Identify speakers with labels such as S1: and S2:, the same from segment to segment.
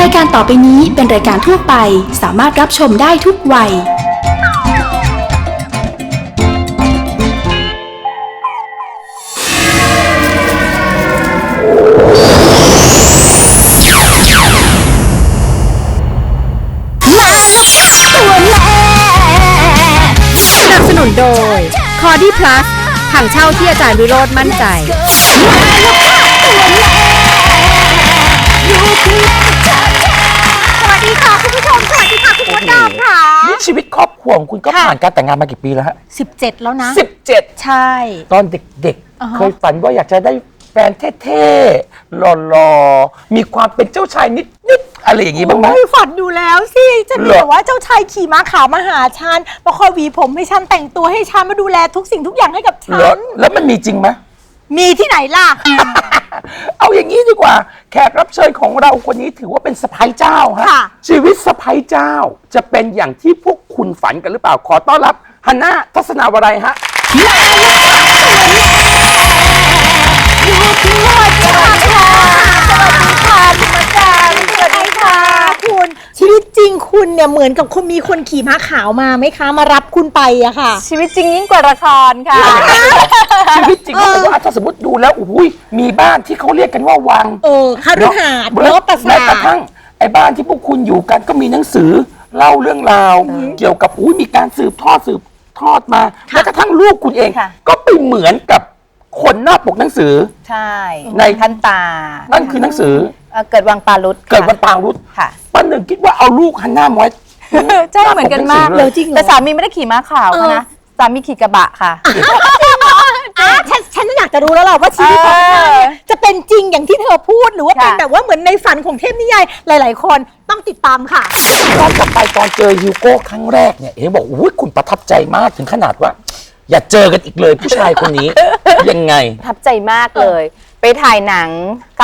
S1: รายการต่อไปนี้เป็นรายการทั่วไปสามารถรับชมได้ทุกวัย
S2: สนับสนุนโดย คอดี้พลัสถังเช่าที่อาจารย์วิโรจน์มั่นใจสวัสดีค่ะคุณผู้ชมสวัสดีค่ะคุณมดดำค่ะ
S3: นี่ชีวิตครอบครัวของคุณก็ผ่านการแต่งงานมากี่ปีแล้วฮะ
S2: 17 แล้วนะ
S3: 17
S2: ใช่
S3: ตอนเด็กๆ เคยฝันว่าอยากจะได้แฟนเท่ๆหล่อๆมีความเป็นเจ้าชายนิดๆอะไรอย่างงี้บ้างไหม
S2: โอ้ยฝันอยู่แล้วสิจะมี
S3: เหรอ
S2: แบบว่าเจ้าชายขี่ม้าขาวมาหาฉันมาคอยหวีผมให้ฉันแต่งตัวให้ฉันมาดูแลทุกสิ่งทุกอย่างให้กับฉั
S3: เหรอน แล้วมันมีจริงไหม
S2: มีที่ไหนล่ะ
S3: เอาอย่างนี้ดีกว่าแขกรับเชิญของเราคนนี้ถือว่าเป็นสะใภ้เจ้าฮะ
S2: ค่ะ
S3: ชีวิตสะใภ้เจ้าจะเป็นอย่างที่พวกคุณฝันกันหรือเปล่าขอต้อนรับฮันน่าทัศนาวรัยฮะ
S2: สวัสดีค่ะคุณมาจารย์สวัสดีค่ะคุณชีวิตจริงคุณเนี่ยเหมือนกับคนมีคนขี่ม้าขาวมาไหมคะมารับคุณไปอะค่ะ
S4: ชีวิตจริงยิ่งกว่าละครค่ะ
S3: ชีวิตจริงก็เป็นว่าถ้าสมมติดูแล้วอุ้ยมีบ้านที่เขาเรียกกันว่าวัง
S2: คฤหาสน์เนอะปราสาท
S3: แม้กระทั่งไอ้บ้านที่พวกคุณอยู่กันก็มีหนังสือเล่าเรื่องราว เกี่ยวกับมีการสืบทอดมาแม้กระทั่งลูกคุณเอง
S4: ค่ะ
S3: ก็ไปเหมือนกับคนหน้าปกหนังสือ
S4: ใช่
S3: ใน
S4: ท่านตา
S3: นั่นคือหนังสือ
S4: เกิดวังปารุษ
S3: เกิดวันปางรุษ
S4: ค่ะ
S3: ป้าหนึ่งคิดว่าเอาลูกฮันน่ามาไว้
S4: ใช่เหมือนกันมาก
S3: เลย
S2: จริงเหรอ
S4: แต่สามีไม่ได้ขี่ม้าขาวเขานะสามีขี่กระบะค่ะ
S2: ฉันอยากจะรู้แล้วล่ะว่าชีวิตของเธอเนี่ยจะเป็นจริงอย่างที่เธอพูดหรือว่าเป็น
S4: ค่ะ
S2: แบบว่าเหมือนในฝันของเทพนิยายหลาย ๆ คนต้องติดตามค่ะ
S3: ย้อนกลับไปตอนเจอฮิวโก้ครั้งแรกเนี่ยเอ๋บอกอุ้ยคุณประทับใจมากถึงขนาดว่า อย่าเจอกันอีกเลยผู้ชายคนนี้ ยังไง
S4: ประทับใจมากเลย ไปถ่ายหนัง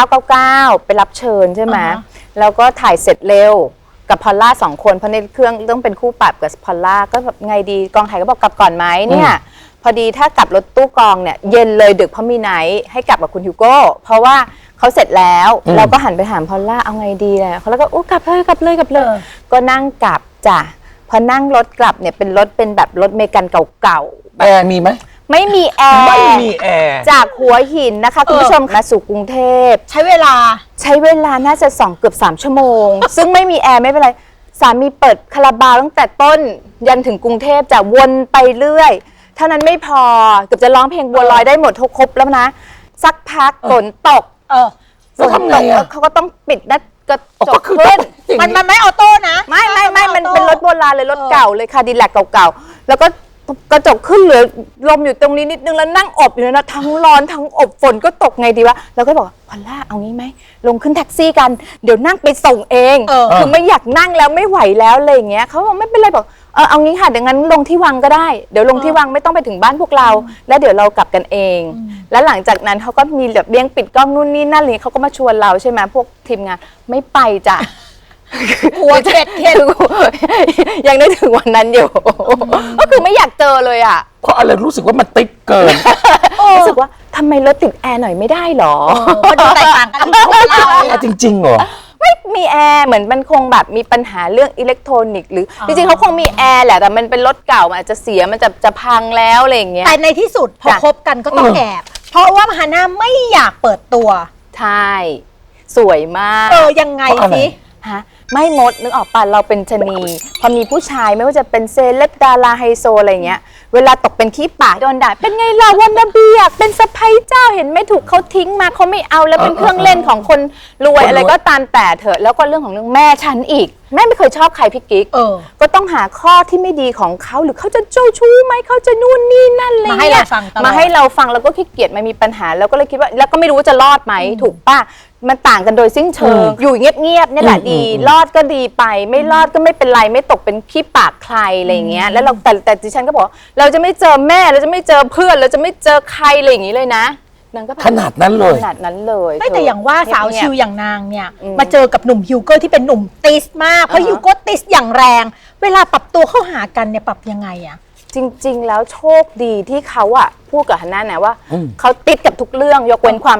S4: 999 ไปรับเชิญใช่ไหม แล้วก็ถ่ายเสร็จเร็วกับพอลล่า2 คนเพราะในเครื่องต้องเป็นคู่ปรับกับพอลล่าก็แบบไงดีกองถ่ายก็บอกกลับก่อนไหมเนี่ยพอดีถ้ากลับรถตู้กองเนี่ยเย็นเลยดึกเพราะมีไนท์ให้กลับกับคุณฮิวโก้เพราะว่าเขาเสร็จแล้วเราก็หันไปถามพอลล่าเอาไงดีเลยเขาแล้วก็อู้กลับเลยก็นั่งกลับจ้ะพอนั่งรถกลับเนี่ยเป็นรถเป็นแบบรถเมกันเก่าๆ
S3: แอร์มีไหม
S4: ไม่มีแอร์
S3: ไม่มีแอร์
S4: จากหัวหินนะคะคุณผู้ชมมาสู่กรุงเทพ
S2: ใช้เวลา
S4: น่าจะเกือบ3 ชั่วโมง ซึ่งไม่มีแอร์ไม่เป็นไรสามีเปิดคาราบาวตั้งแต่ต้นยันถึงกรุงเทพจะวนไปเรื่อยเท่านั้นไม่พอเกือบจะร้องเพลงบัวลอยได้หมดทุกครบแล้วนะ สักพักฝนตก
S3: แล้วทำไงอะ
S4: เขาก็ต้องปิดหน้ากระจ
S3: ก็
S4: ก
S3: คือ
S4: ขึ้น
S2: มันไม่ออโต้นะ
S4: ไม่มันเป็นรถโบราณเลยรถเก่าเลยค่ะดีแลกเก่าๆแล้วก็กระจกขึ้นเหลือลมอยู่ตรงนี้นิดนึงแล้วนั่งอบอยู่นะทั้งร้อนทั้งอบฝนก็ตกไงดีวะแล้วก็บอกพอลล่าเอางี้ไหมลงขึ้นแท็กซี่กันเดี๋ยวนั่งไปส่งเองคือไม่อยากนั่งแล้วไม่ไหวแล้วอะไรอย่างเงี้ยเขาบอกไม่เป็นไรบอกเอางี้ค่ะเดี๋ยวงั้นลงที่วังก็ได้เดี๋ยวลงที่วังไม่ต้องไปถึงบ้านพวกเราแล้วเดี๋ยวเรากลับกันเอง แล้วหลังจากนั้นเขาก็มีแบบเลี้ยงปิดกล้องนู่นนี่นั่นเลยเขาก็มาชวนเราใช่ไหมพวกทีมงานไม่ไปจ้ะ
S2: หัวเข็ด
S4: ยังได้ถึงวันนั้นอยู่ ก็คือไม่อยากเจอเลยอ่ะ
S3: เพราะอะไรรู้สึกว่ามันติดเกิน
S4: รู้สึกว่าทำไมรถติดแอร์หน่อยไม่ได้หรอ
S2: มันดูแตกต่างกันที่ของเรา
S3: แอร์จริงๆเหรอ
S4: ไม่มีแอร์เหมือนมันคงแบบมีปัญหาเรื่องอิเล็กทรอนิกส์หรือจริงๆเขาคงมีแอร์แหละแต่มันเป็นรถเก่ามันอาจจะเสียมันจะพังแล้วอะไรอย่างเงี้ย
S2: แต่ในที่สุดพอ
S4: จ้ะ
S2: คบกันก็ต้องแอบเพราะว่าฮาน่าไม่อยากเปิดตัว
S4: ใช่สวยมาก
S2: ยังไง
S3: เพราะอะไร
S2: สิ
S4: ฮะไม่มดนึกออกป่ะเราเป็นชะนีพอมีผู้ชายไม่ว่าจะเป็นเซเลบดาราไฮโซอะไรเงี้ยเวลาตกเป็นขี้ปากโดนด่าเป็นไงล่ะวันนาเบียกเป็นสะใภ้เจ้าเห็นไหม่ถูกเขาทิ้งมาเขาไม่เอาแล้วเป็นเครื่องเล่นของคนรวยอะไรก็ตามแต่เถอะแล้วก็เรื่องของเรื่องแม่ฉันอีกแม่ไม่เคยชอบใครพี่กิ๊กก็ต้องหาข้อที่ไม่ดีของเขาหรือเขาจะเจ้าชู้ไหมเขาจะนู่นนี่นั่นอะไร
S2: มาให้
S4: เงี้
S2: เรา
S4: ย
S2: ฟังตลอด
S4: มาให้เราฟังแล้วก็ขี้เกียจมันมีปัญหาแล้วก็เลยคิดว่าแล้วก็ไม่รู้ว่าจะรอดไหมถูกป่ะมันต่างกันโดยสิ้นเชิงอยู่เงียบๆนี่แหละดีรอดก็ดีไปไม่รอดก็ไม่เป็นไรไม่ตกเป็นขี้ปากใครอะไรอย่างเงี้ยแล้วเราแต่ดิฉันก็บอกเราจะไม่เจอแม่เราจะไม่เจอเพื่อนเราจะไม่เจอใครอะไรอย่างงี้เลยนะนางก็แบบ
S3: ขนาดนั้นเลย
S4: ขนาดนั้นเลย
S2: ไม่แต่อย่างว่าสาว
S4: เงียบๆ
S2: ชิวอย่างนางเนี่ยมาเจอกับหนุ่มฮิวโก้ที่เป็นหนุ่มติสมากเพราะฮิวโก้ติสอย่างแรง เวลาปรับตัวเข้าหากันเนี่ยปรับยังไงอะ
S4: จริง ๆ แล้วโชคดีที่เขาอะพูดกับฮันน่านะว่าเขาติดกับทุกเรื่องยกเว้นความรัก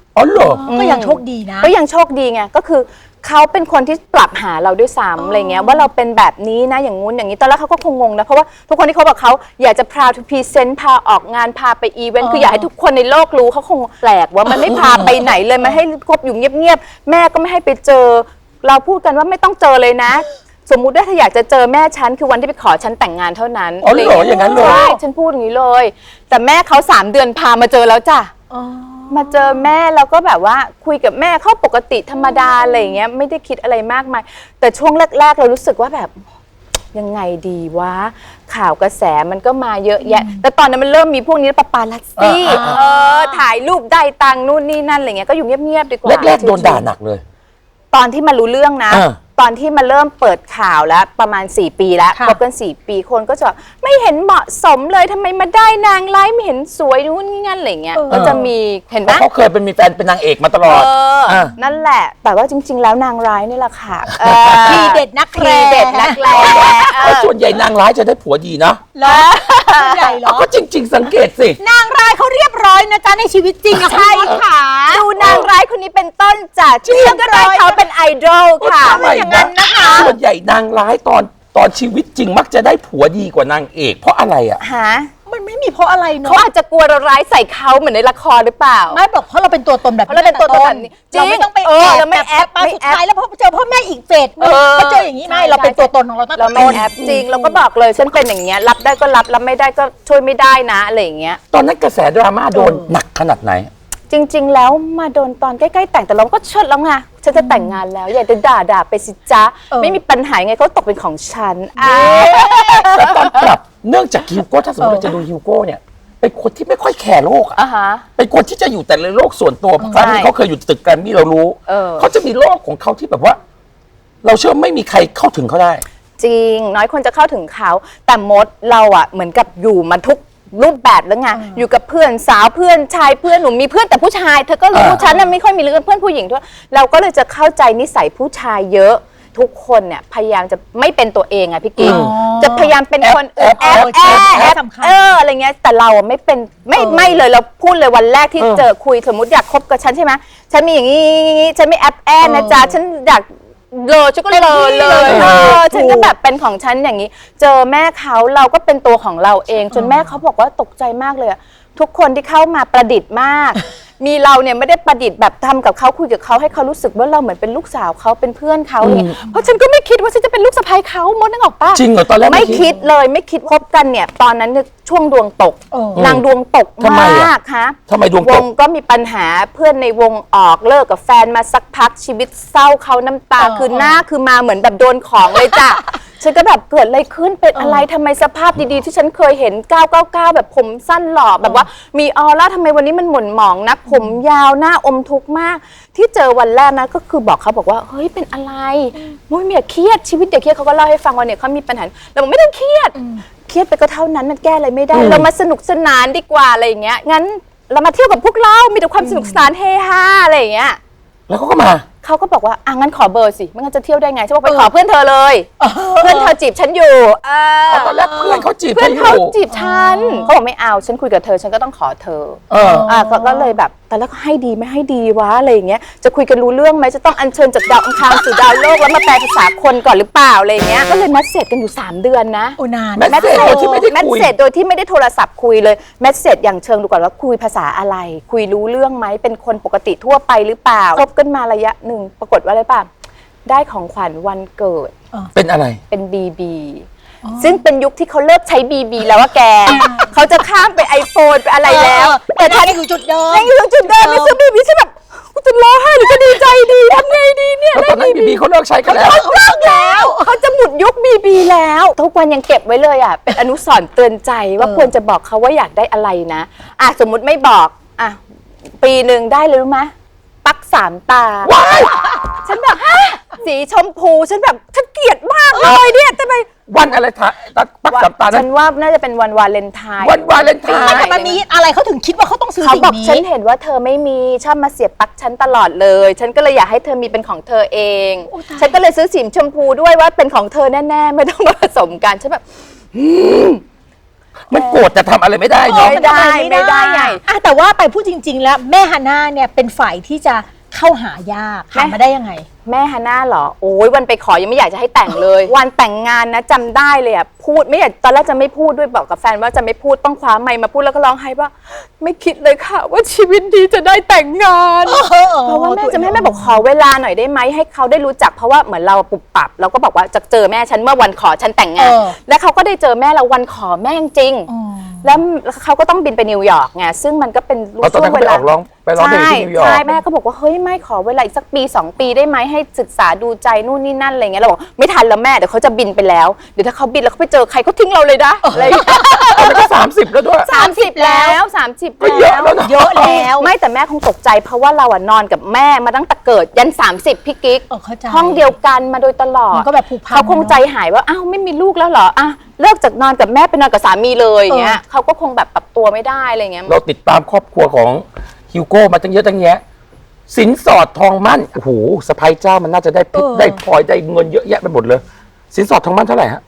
S3: อ๋อเหรอ
S2: ก็ยังโชคดีนะ
S4: ก็ยังโชคดีไงก็คือเขาเป็นคนที่ปรับหาเราด้วยซ้ำอะไรเงี้ยว่าเราเป็นแบบนี้นะอย่างงู้นอย่างนี้ตอนแรกเขาก็คงงงนะเพราะว่าทุกคนที่เขาบอกเขาอยากจะ proud to present พาออกงานพาไปอีเวนต์คืออยากให้ทุกคนในโลกรู้เขาคงแปลกว่ามันไม่พาไปไหนเลยมันให้คบอยู่เงียบๆแม่ก็ไม่ให้ไปเจอเราพูดกันว่าไม่ต้องเจอเลยนะ สมมุติว่าถ้าอยากจะเจอแม่ฉันคือวันที่ไปขอฉันแต่งงานเท่านั้น
S3: อ๋อเหรออย่างนั้นเลย
S4: ใช่ฉันพูดอย่างนี้เลย แต่แม่เขา3 เดือนพามาเจอแล้วจ้ะมาเจอแม่แล้วก็แบบว่าคุยกับแม่เขาปกติธรรมดาอะไรอย่างเงี้ยไม่ได้คิดอะไรมากมายแต่ช่วงแรกๆเรารู้สึกว่าแบบยังไงดีวะข่าวกระแสมันก็มาเยอะแยะแต่ตอนนั้นมันเริ่มมีพวกนี้ปาปาลัสซี่ถ่ายรูปได้ตังค์นู่นนี่นั่นอะไรเงี้ยก็อยู่เงียบๆดีกว่า
S3: แรกๆโดนด่าหนักเลย
S4: ตอนที่มารู้เรื่องนะ ตอนที่มาเริ่มเปิดข่าวแล้วประมาณ4 ปีแล้วคบกัน4 ปีคนก็จะไม่เห็นเหมาะสมเลยทำไมมาได้นางร้ายไม่เห็นสวยนู่นนี่นั่นอะไรเงี้ยก็จะมีเห็นไหม
S3: เขาเคยเป็นมีแฟนเป็นนางเอกมาตลอด
S4: นั่นแหละแต่ว่าจริงๆแล้วนางร้ายนี่แหละค่ะ
S2: ทีเด็ดนักแร้
S4: ทีเด็ดนักแร้
S3: ส่วนใหญ่นางร้ายจะได้ผัวดีนะ
S2: เหรอส่วนใหญ่เหรอ
S3: ก็จริง ๆ สังเกตสิ
S2: นางร้ายเขาเรียบร้อยนะจ๊ะในชีวิตจริงอะคุณมดขา
S4: ดูนางร้ายคนนี้เป็นต้นจากที่ก็ได้เขาเป็นไอดอลค่ะ
S3: ทำไมนะส่วนใหญ่นางร้ายตอนชีวิตจริงมักจะได้ผัวดีกว่านางเอกเพราะอะไรอ่ะ
S4: ฮะ
S2: มันไม่มีเพราะอะไรเนาะ
S4: เขาอาจจะกลัวเราร้ายใส่เขาเหมือนในละครหรือเปล่า
S2: ไม่บอกเพราะเราเป็นตัวตนแบบ
S4: เพราะเราเป็นตัวตนแบบนี้จริง
S2: เราไม่ต้องไป
S4: เราไม่แอป
S2: มา
S4: ไม่
S2: สุด
S4: แอป
S2: ท้ายแล้วพอเจอพ่อแม่อีกเฟสก็เจออย่างนี้ไม่เราเป็นตัวตนของเราตั้งแต่
S4: เราไม่
S2: ต้น
S4: แอปจริงเราก็บอกเลยฉันเป็นอย่างเงี้ยรับได้ก็รับไม่ได้ก็ช่วยไม่ได้นะอะไรอย่างเงี้ย
S3: ตอนนั้นกระแสดราม่าโดนหนักขนาดไหน
S4: จริง ๆ แล้วมาโดนตอนใกล้ๆแต่งแต่เราก็เชิดแล้วไงฉันจะแต่งงานแล้วอยากจะด่าไปสิจ๊ะไม่มีปัญหาไงเขาตกเป็นของฉัน
S3: แต่ตอนกลับเนื่องจากฮิวโก้ถ้าสมมติเราจะดูฮิวโก้เนี่ยเป็นคนที่ไม่ค่อยแคร์โลกอะ
S4: ฮะ
S3: เป็นคนที่จะอยู่แต่ในโลกส่วนตัวเพราะครั้งนี้เขาเคยอยู่ตึกแกรมมี่เรารู้เขาจะมีโลกของเขาที่แบบว่า เราเชื่อไม่มีใครเข้าถึงเขาได้
S4: จริงน้อยคนจะเข้าถึงเขาแต่มดเราอะเหมือนกับอยู่มาทุกรูปแบบแล้วไงอยู่กับเพื่อนสาวเพื่อนชายเพื่อนหนูมีเพื่อนแต่ผู้ชายเธอก็รู้ฉันน่ะไม่ค่อยมีเพื่อนผู้หญิงด้วยเราก็เลยจะเข้าใจนิสัยผู้ชายเยอะทุกคนเนี่ยพยายามจะไม่เป็นตัวเองอะพี่กิ๊กจะพยายามเป็นคนแอบอะไรเงี้ยแต่เราอะไม่เป็นไม่เลยเราพูดเลยวันแรกที่เจอคุยสมมติอยากคบกับฉันใช่ไหมฉันมีอย่างนี้ฉันไม่แอบนะจ๊ะฉันอยากฉันก็เลยฉันก็แบบเป็นของฉันอย่างนี้เจอแม่เขาเราก็เป็นตัวของเราเองจนแม่เขาบอกว่าตกใจมากเลยทุกคนที่เข้ามาประดิษฐ์มาก มีเราเนี่ยไม่ได้ประดิษฐ์แบบทำกับเขาคุยกับเขาให้เขารู้สึกว่าเราเหมือนเป็นลูกสาวเขาเป็นเพื่อนเขาเนี่ยเพราะฉันก็ไม่คิดว่าฉันจะเป็นลูกสะใภ้เขามดนึกออกปะ
S3: จริงเหรอตอนแรก
S4: ไม่คิดเลยไม่คิดคบกันเนี่ยตอนนั้นช่วงดวงตกนางดวงตกมากฮะ
S3: ทำไมดวง
S4: ว
S3: ต
S4: ง
S3: ก
S4: ก็มีปัญหาเพื่อนในวงออกเลิกกับแฟนมาสักพักชีวิตเศร้าเขาน้ำตาคือหน้าคือมาเหมือนแบบโดนของเลยจ้ะ ฉันก็แบบเกิดอะไรขึ้นเป็นอะไรทำไมสภาพดีๆที่ฉันเคยเห็น999แบบผมสั้นหล่อแบบว่ามีออร่าทำไมวันนี้มันหม่นหมองนักผมยาวหน้าอมทุกข์มาก ที่เจอวันแรกนะก็คือบอกเขาบอกว่าเฮ้ยเป็นอะไรมุ้ยอย่าเครียดชีวิตอย่าเครียดเขาก็เล่าให้ฟังว่าเนี่ยเขามีปัญหาเราบอกไม่ต้องเครียดเครียดไปก็เท่านั้นมันแก้อะไรไม่ได้เรามาสนุกสนานดีกว่าอะไรอย่างเงี้ยงั้นเรามาเที่ยวกับพวกเรามีแต่ความสนุกสนานเฮฮาอะไรอย่างเงี้ย
S3: แล้วเขาก็มา
S4: เขาก็บอกว่างั้นขอเบอร์สิไม่งั้นจะเที่ยวได้ไงฉันบอกไปขอเพื่อนเธอเลยเพื่อนเธอจีบฉันอยู่
S3: ตอนแรกเพื่อนเขาจีบ
S4: เพื่อนเขาจีบฉันเขาบอกไม่เอาฉันคุยกับเธอฉันก็ต้องขอเธอก็เลยแบบแต่แล้วก็ให้ดีไม่ให้ดีวะอะไรอย่างเงี้ยจะคุยกันรู้เรื่องไหมจะต้องอัญเชิญจากดาวอังคารสู่ดาวโลกแล้วมาแปลภาษาคนก่อนหรือเปล่าอะไรอย่างเงี้ยก็เลยนัดเสร็จกันอยู่3 เดือนนะ
S2: นาน
S3: แมสเซจโดยที่ไม่ได้คุย
S4: แมสเซจโดยที่ไม่ได้โทรศัพท์คุยเลยแมสเซจอย่างเชิงดูก่อนว่าคุยภาษาอะไรคุยรู้เรื่องไหมเป็นคนปกติทั่วไปหรือเปล่าคบกันมาระยะหนึ่งปรากฏว่าอะไรป่ะได้ของขวัญวันเกิด
S3: เป็นอะไร
S4: เป็นBBซึ่งเป็นยุคที่เขาเลิกใช้ BB แล้วว่าแกเขาจะข้ามไป iPhone ไปอะไรแล้วแต่ถ้า
S2: ยังอยู่จุดเดิม
S4: ยังอยู่จุดเดิมไม่ซื้อ BB ฉันแบบกูจะร้องไห้หรือจะดีใจดีทำไงดีเนี่ย
S3: แล้วตอนนั้นบีบีเขาเลิกใช้กันแล้ว
S4: เขาเลิกแล้วเขาจะหมุดยุค BB แล้วทุกวันยังเก็บไว้เลยอ่ะเป็นอนุสรณ์เตือนใจว่าควรจะบอกเขาว่าอยากได้อะไรนะสมมุติไม่บอกปีหนึ่งได้เลยรู้ไหมปัก3 ตาฉันแบบสีชมพูฉันแบบฉันเกลียดมากเลยเนี่ยทำไม
S3: วันอะไรปัก3 ตา
S4: ฉันว่าน่าจะเป็นวันวาเลนไทน์
S3: วันวาเลนไทน์
S2: แต่มันมีอะไรเขาถึงคิดว่าเขาต้องซื้อสิ่งนี้
S4: เขาบอกฉันเห็นว่าเธอไม่มีชอบมาเสียบปลั๊กฉันตลอดเลยฉันก็เลยอยากให้เธอมีเป็นของเธอเองฉันก็เลยซื้อสีชมพูด้วยว่าเป็นของเธอแน่ๆไม่ต้องมาผสมกันฉันแบบ
S3: มันโกรธแต่ทำอะไรไม่ได้เนาะ
S4: ไม่ได้
S2: ไม่ได้ไงแต่ว่าไปพูดจริง ๆ แล้วแม่ฮาน่าเนี่ยเป็นฝ่ายที่จะเข้าหายากหามาได้ยังไง
S4: แม่ฮาน่าเหรอโอ้ยวันไปขอยังไม่อยากจะให้แต่งเลย วันแต่งงานนะจำได้เลยอ่ะพูดไม่อยากตอนแรกจะไม่พูดด้วยบอกกับแฟนว่าจะไม่พูดต้องคว้าไมค์มาพูดแล้วก็ร้องไห้ว่าไม่คิดเลยค่ะว่าชีวิตดีจะได้แต่งงานเพราะว่าแม่จะไม่ให้แม่บอกขอเวลาหน่อยได้ไหมให้เขาได้รู้จักเพราะว่าเหมือนเราปุบปับเราก็บอกว่าจะเจอแม่ฉันเมื่อวันขอฉันแต่งงานและเขาก็ได้เจอแม่เราวันขอแม่จริงแล้วเขาก็ต้องบินไปนิวยอร์กไงซึ่งมันก็เป็น
S3: ตอนนั้นเขาไปออกร้องเพลงที่นิวยอร์ก
S4: ใช่แม่ก็บอกว่าเฮ้ยไม่ขอเวลาอีกสักปี2 ปีได้ไหมให้ศึกษาดูใจนู่นนี่นั่นอะไรเงี้ยเราบอกไม่ทันแล้วแม่เดี๋ยวเขาจะบินไปแล้วเดี๋ยวถ้าเขาบินแล้วเขาไปเจอใครเขาทิ้งเราเลยนะอะไรอย่างเงี้ย
S3: ตอนนั้นก็30แล้วด้วย
S4: 30 แล้ว30
S3: ก็เยอะแล้วนะ
S2: เยอะแล้ว
S4: ไม่แต่แม่คงตกใจเพราะว่าเราอะนอนกับแม่มาตั้งแต่เกิดยัน30พี่กิ๊ก
S2: เข้าใจ
S4: ห้องเดียวกันมาโดยตลอด
S2: มันก็แบบผูกพัน
S4: เขาคงใจหายว่าอ้าวไม่มีลูกแล้วเหรออ่ะเลิกจากนอนกับแม่ไปนอนกับสามีเลยอย่างเงี้ยเขาก็คงแบบปรับตัวไม่ได้อะไรเงี้ย
S3: เราติดตามครอบครัวของฮิวโก้มาตั้งเยอะตั้งแยะสินสอดทองมั่นโอ้โหสะพ้ยเจ้ามันน่าจะได้เพชรได้พลอยได้เงินเยอะแยะไปหมดเลย สินสอดทองมั่นเท่าไหร่ฮะ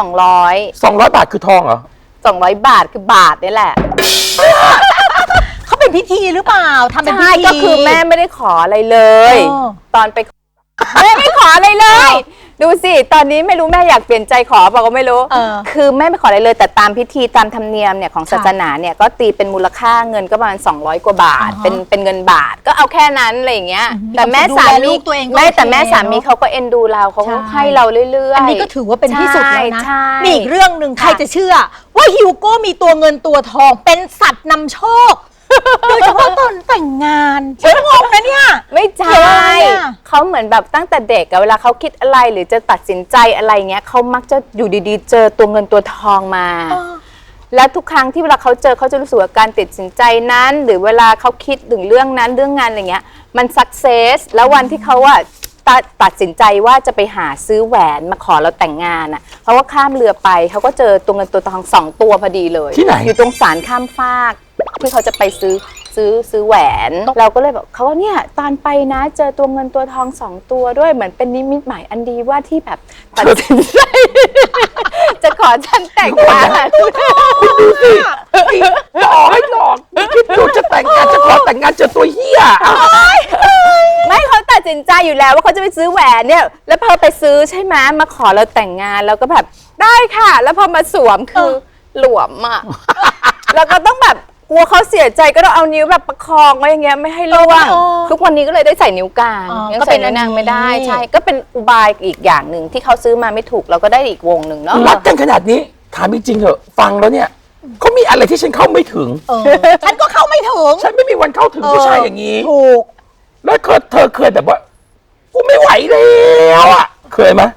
S4: 200
S3: 200 บาทคือทองเหรอ
S4: 200 บาทคือบาทนี่แหละ
S2: เขาเป็นพิธีหรือเปล่าทำเป็นพิ
S4: ใช่
S2: ธี
S4: ก็คือแม่ไม่ได้ขออะไรเลย
S2: อ๋อ
S4: ตอนไปแม่ไม่ขออะไรเลย ดูสิตอนนี้ไม่รู้แม่อยากเปลี่ยนใจขอเปล่าก็ไม่รู้ คือแม่ไม่ขออะไรเลยแต่ตามพิธีตามธรรมเนียมเนี่ยของศาสนาเนี่ยก็ตีเป็นมูลค่าเงินก็ประมาณ200 กว่าบาทเป็นเงินบาทก็เอาแค่นั้นอะไรอย่างเงี้ยแต่แม่สามี
S2: ลูกตัวเองก็
S4: ไม่แต่
S2: โอเค
S4: แม่สามีเขาก็เอ็นดูเราเขาก็ให้เราเรื่อยๆ
S2: อันนี้ก็ถือว่าเป็นที่สุดแล้วนะ
S4: ใช่
S2: มีอีกเรื่องหนึ่งใครจะเชื่อ ว่าฮิวโก้มีตัวเงินตัวทองเป็นสัตว์นำโชค โดยเฉพาะตอนแต่งงานฉันงงนะเนี่ย
S4: ไม่ใช่
S2: เกี่ยวอะไรอะ
S4: เขาเหมือนแบบตั้งแต่เด็กอะเวลาเขาคิดอะไรหรือจะตัดสินใจอะไรเงี้ยเขามักจะอยู่ดีๆ เจอตัวเงินตัวทองมา แล้วทุกครั้งที่เวลาเขาเจอเขาจะรู้สึกว่าการตัดสินใจนั้น หรือเวลาเขาคิดถึงเรื่องนั้นเรื่องงานอะไรเงี้ยมันสักเซสแล้ววันที่เขาอะตัดสินใจว่าจะไปหาซื้อแหวนมาขอเราแต่งงานอะเขาก็ข้ามเรือไปเขาก็เจอตัวเงินตัวทอง2 ตัวพอดีเลย
S3: ที่ไหน
S4: อยู่ตรงศาลข้ามฟากที่เขาจะไปซื้อแหวน เราก็เลยบอกเขาว่าเนี่ยตอนไปนะเจอตัวเงินตัวทอง2 ตัวด้วยเหมือนเป็นนิมิตหมายอันดีว่าที่แบบตัดสินใจ จะขอฉันแต่งงาน
S3: ดูสิหลอกให้หลอกคิดดูจะแต่งงานจะขอแต่งงานเจอตัวเหี้ยอ่ะ
S4: ไม่เขาตัดสินใจอยู่แล้วว่าเขาจะไปซื้อแหวนเนี่ยแล้วพอไปซื้อใช่ไหมมาขอเราแต่งงานเราก็แบบได้ค่ะ แล้วพอมาสวมคือหลวมอ่ะ แล้วก็ต้องแบบกลัวเขาเสียใจก็ต้องเอานิ้วแบบประคองไว้อย่างเงี้ยไม่ให้ล่วงทุกวันนี้ก็เลยได้ใส่นิ้วกลาง ยัง
S2: ก็
S4: ใส่
S2: เป็น
S4: นิ้วนางไม่ได้
S2: อันนี้
S4: ใช่ก็เป็นอุบายอีกอย่างหนึ่งที่เขาซื้อมาไม่ถูกเราก็ได้อีกวงหนึ่งเนาะ
S3: รักกันขนาดนี้ถามจริงๆเถอะฟังแล้วเนี่ยเขามีอะไรที่ฉันเข้าไม่ถึง
S2: ฉันก็เข้าไม่ถึง
S3: ฉันไม่มีวันเข้าถึงผู้ชายอย่างนี้
S2: ถูก
S3: แล้วเธอเคยแบบว่ากูไม่ไหวแล้วอ่ะเคยไหม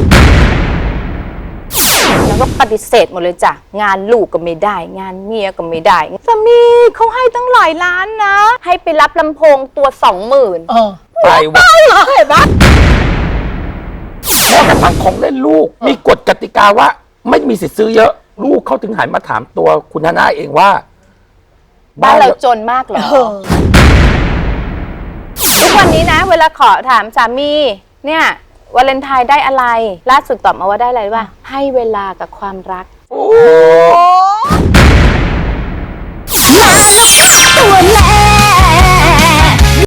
S4: แล้วก็ปฏิเสธหมดเลยจ้ะงานลูกก็ไม่ได้ งานเมียก็ไม่ได้สามีเขาให้ตั้งหลายล้านนะ ให้ไปรับลำโพงตัว 20,000
S3: ไปวะ
S2: เห็นปะ
S3: แม้กระทั่งของเล่นลูกมีกฎกติกาว่าไม่มีสิทธิ์ซื้อเยอะ ลูกเขาถึงหันมาถามตัวคุณฮาน่าเองว่า
S4: บ้านเราจนมากเหรอทุกวันนี้นะ เวลาขอถามสามีเนี่ยวาเลนไทน์ได้อะไร ล่าสุดตอบมาว่าได้อะไรรู้ป่ะให้เวลากับความรัก
S3: โอ้
S2: โอ้